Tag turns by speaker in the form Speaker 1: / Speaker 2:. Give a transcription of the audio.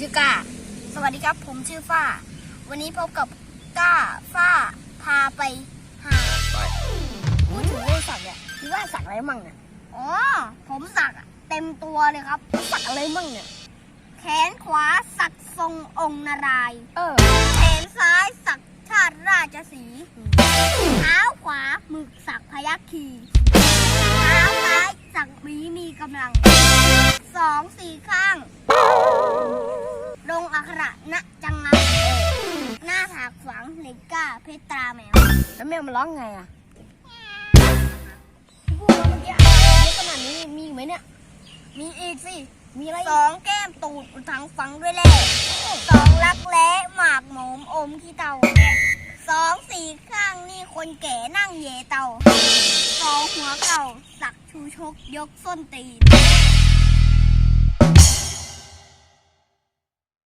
Speaker 1: อก้าสวัสดีครับผมชื่อฝ้าวันนี้พบกับก้าฝ้าพาไปหาพูดถึงเรื่องสักเนี่ยคิดว่าสักอะไรมั่งเนี่ยอ๋อผมสักเต็มตัวเลยครับสักอะไรมั่งเนี่ยแขนขวาสักทรงองค์นารายณ์แขนซ้ายสักชาติราชสีห์เท้าขวาหมึกสักพยัคฆ์คีเท้าซ้ายสักหมีกำลัง2-4ข้างลงอักขระณจังงังหน้าผากฝังเหล็กก้าเพชรตราแมวแล้วแมวมันร้องไงอ่ะพูดเมื่อกี้ขนาดนี้มีไหมเนี่ยมีอีกสิมีอะไร2แก้มตูดอุทังฝังด้วยแหล่2รักแร้หมากหมมอมขี้เตา2-4ข้างนี่คนแก่นั่งเยเตา2หัวเก่าสักชูชกยกส้นตีน